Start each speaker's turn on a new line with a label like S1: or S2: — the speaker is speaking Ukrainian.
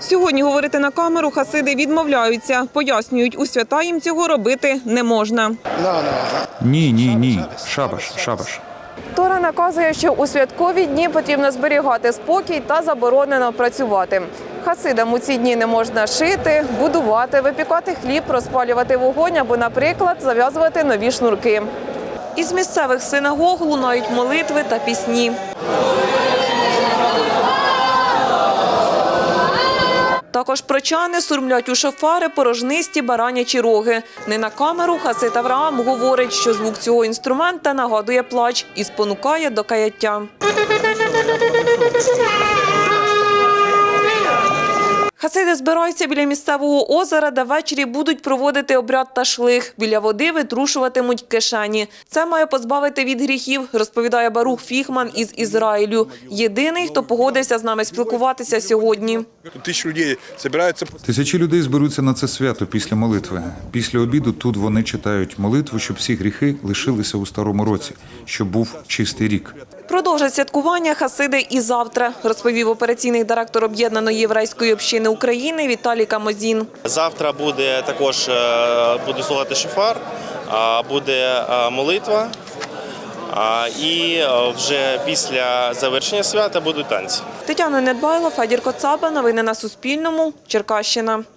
S1: Сьогодні говорити на камеру хасиди відмовляються. Пояснюють, у свята їм цього робити не можна.
S2: Ні. Шабаш.
S1: Тора наказує, що у святкові дні потрібно зберігати спокій та заборонено працювати. Хасидам у ці дні не можна шити, будувати, випікати хліб, розпалювати вогонь або, наприклад, зав'язувати нові шнурки. Із місцевих синагог лунають молитви та пісні. Також прочани сурмлять у шофари порожнисті баранячі роги. Не на камеру хасид Авраам говорить, що звук цього інструмента нагадує плач і спонукає до каяття. Хасиди збираються біля місцевого озера, де ввечері будуть проводити обряд ташлих. Біля води витрушуватимуть кишені. Це має позбавити від гріхів, розповідає Барух Фіхман із Ізраїлю. Єдиний, хто погодився з нами спілкуватися сьогодні.
S2: Тисячі людей зберуться на це свято після молитви. Після обіду тут вони читають молитву, щоб всі гріхи лишилися у старому році, щоб був чистий рік.
S1: Продовжать святкування хасиди і завтра, розповів операційний директор Об'єднаної єврейської общини України Віталій Камозін.
S3: Завтра буде також слухати шофар, буде молитва і вже після завершення свята будуть танці.
S1: Тетяна Недбайло, Федір Коцаба. Новини на Суспільному. Черкащина.